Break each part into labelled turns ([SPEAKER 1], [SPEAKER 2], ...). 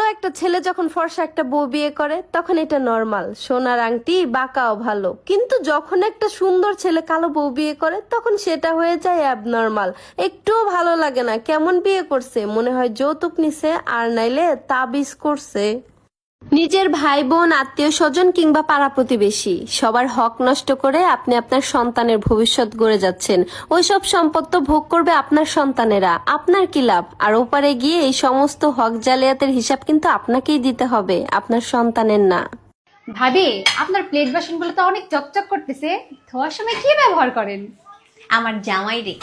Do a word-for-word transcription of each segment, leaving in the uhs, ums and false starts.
[SPEAKER 1] একটা ছেলে যখন ফর্সা একটা বউ বিয়ে করে তখন এটা নর্মাল, সোনার আংটি বাঁকাও ভালো। কিন্তু যখন একটা সুন্দর ছেলে কালো বউ বিয়ে করে তখন সেটা হয়ে যায় অ্যাবনর্মাল, একটুও ভালো লাগে না। কেমন বিয়ে করছে, মনে হয় যৌতুক নিছে আর নাইলে তাবিজ করছে। নিজের ভাই বোন, আত্মীয় স্বজন কিংবা পাড়া প্রতিবেশী সবার হক নষ্ট করে আপনি আপনার সন্তানের ভবিষ্যৎ গড়ে যাচ্ছেন। ওইসব সম্পদ তো ভোগ করবে আপনার সন্তানেরা, আপনার কি লাভ? আর ওপারে গিয়ে এই সমস্ত হক জালিয়াতের হিসাব কিন্তু আপনাকেই দিতে হবে, আপনার সন্তানের না।
[SPEAKER 2] ভাবি, আপনার প্লেট বাসনগুলো তো অনেক চকচক করতেছে, ধোয়ার সময় কি ব্যবহার করেন?
[SPEAKER 3] আমার জামাই রে।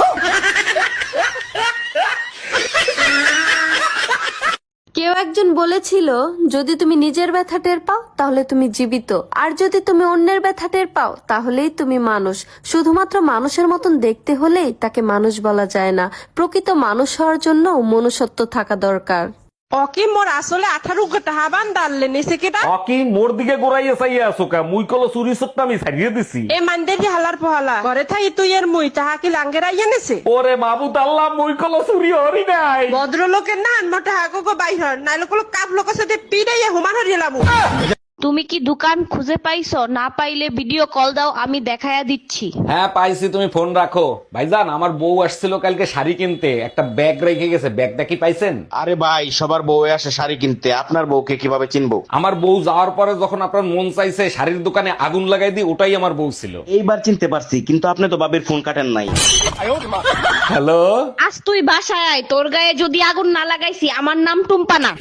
[SPEAKER 1] কেউ একজন বলেছিল, যদি তুমি নিজের ব্যথা টের পাও তাহলে তুমি জীবিত, আর যদি তুমি অন্যের ব্যথা টের পাও তাহলেই তুমি মানুষ। শুধুমাত্র মানুষের মতন দেখতে হলেই তাকে মানুষ বলা যায় না, প্রকৃত মানুষ হওয়ার জন্য মনুষ্যত্ব থাকা দরকার।
[SPEAKER 4] অকি মোর আসলে আঠারো টাকা বান দাঁড়লে নিছে কেটা
[SPEAKER 5] অকি মোর দিকে গোড়াইয়া চাইয়া আছো কা? মুই কল চুরি সত্তা আমি ছাড়িয়ে দিছি।
[SPEAKER 4] এ মানদে দি হালার পহালা ঘরে থাকি তুই এর মুই তাহা কি লাঙ্গের আইয়া নেছে?
[SPEAKER 5] ওরে মাবুত আল্লাহ, মুই কল চুরি হরি নাই।
[SPEAKER 4] ভদ্রলোকের না আনমটা হাগো গো বাইর নাইলে কল কাপ লোকের সাথে পিড়াইয়া হুমান হরিলাম।
[SPEAKER 6] তুমি কি দোকান খুঁজে পাইছো? না পাইলে ভিডিও কল দাও, আমি দেখায়া দিচ্ছি।
[SPEAKER 5] হ্যাঁ পাইছি, তুমি ফোন রাখো। ভাইজান, আমার বউ আসছিল কালকে শাড়ি কিনতে, একটা ব্যাগ রেখে গেছে, ব্যাগটা কি পাইছেন?
[SPEAKER 7] আরে ভাই, সবার বউ আসে শাড়ি কিনতে, আপনার বউকে কিভাবে চিনবো?
[SPEAKER 5] আমার বউ যাওয়ার পরে যখন আপনার মন চাইছে শাড়ির দোকানে আগুন লাগাই দিই, ওটাই আমার বউ ছিল।
[SPEAKER 7] এইবার চিনতে পারছি, কিন্তু আপনি তো বাবির ফোন কাটেন নাই।
[SPEAKER 5] হ্যালো,
[SPEAKER 6] আজ তুই বাসায় আয়, তোর গায়ে যদি আগুন না লাগাইছি আমার নাম টুম্পা না।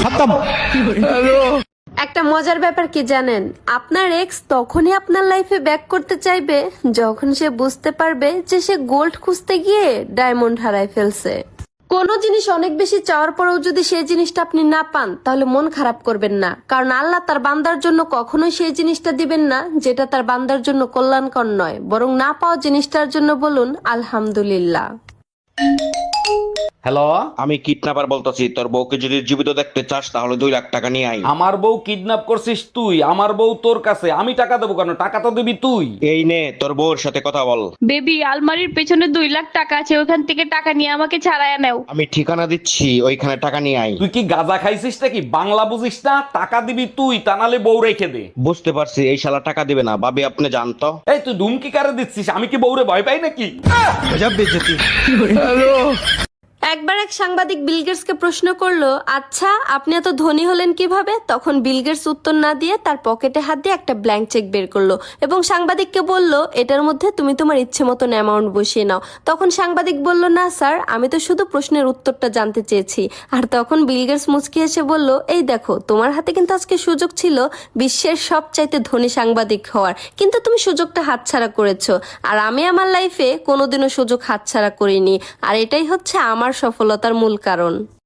[SPEAKER 1] একটা মজার ব্যাপার কি জানেন, আপনার এক্স তখনই আপনার লাইফে ব্যাক করতে চাইবে যখন সে বুঝতে পারবে যে সে গোল্ড খুঁজতে গিয়ে ডায়মন্ড হারায় ফেলছে। কোনো জিনিস অনেক বেশি চাওয়ার পরেও যদি সেই জিনিসটা আপনি না পান তাহলে মন খারাপ করবেন না, কারণ আল্লাহ তার বান্দার জন্য কখনোই সেই জিনিসটা দিবেন না যেটা তার বান্দার জন্য কল্যাণকর নয়, বরং না পাওয়া জিনিসটার জন্য বলুন আলহামদুলিল্লাহ।
[SPEAKER 5] হ্যালো,
[SPEAKER 7] আমি কিডন্যাপার বলতেছি, তোর বউকে যদি জীবিত দেখতে চাস তাহলে দুই লাখ টাকা নিয়ে আই।
[SPEAKER 5] আমার বউ কিডন্যাপ করছিস তুই? আমার বউ তোর কাছে, আমি টাকা দেবো কেন? টাকা তো দিবি তুই।
[SPEAKER 7] এই নে তোর বউর সাথে কথা বল।
[SPEAKER 6] বেবি, আলমারির পেছনে দুই লাখ টাকা আছে, ওখান থেকে টাকা নিয়ে আমাকে ছাড়াইয়া নেও।
[SPEAKER 7] আমি ঠিকানা দিচ্ছি, ওইখানে টাকা নিয়ে আই।
[SPEAKER 5] তুই কি গাঁজা খাইছিস নাকি? বাংলা বুঝিস না? টাকা দিবি তুই, তা নাহলে বউ রেখে দে।
[SPEAKER 7] বুঝতে পারছি, এই শালা টাকা দিবে না। ভাবি আপনি জানতো?
[SPEAKER 5] এই তুই ধুমকি কারে দিচ্ছিস? আমি কি বউরে ভয় পাই নাকি?
[SPEAKER 1] একবার এক সাংবাদিক বিল গেটসকে প্রশ্ন করলো, আচ্ছা আপনি এত ধনী হলেন কিভাবে? তখন বিল গেটস উত্তর না দিয়ে তার পকেটে হাত দিয়ে একটা ব্ল্যাঙ্ক চেক বের করলো এবং সাংবাদিককে বলল, এটার মধ্যে তুমি তোমার ইচ্ছে মতন অ্যামাউন্ট বসিয়ে নাও। তখন সাংবাদিক বলল, না স্যার, আমি তো শুধু প্রশ্নের উত্তরটা জানতে চেয়েছি। আর তখন বিল গেটস মুচকি এসে বলল, এই দেখো, তোমার হাতে কিন্তু আজকে সুযোগ ছিল বিশ্বের সবচাইতে ধনী সাংবাদিক হওয়ার, কিন্তু তুমি সুযোগটা হাতছাড়া করেছো। আর আমি আমার লাইফে কোনোদিনও সুযোগ হাতছাড়া করিনি, আর এটাই হচ্ছে আমার সফলতার মূল কারণ।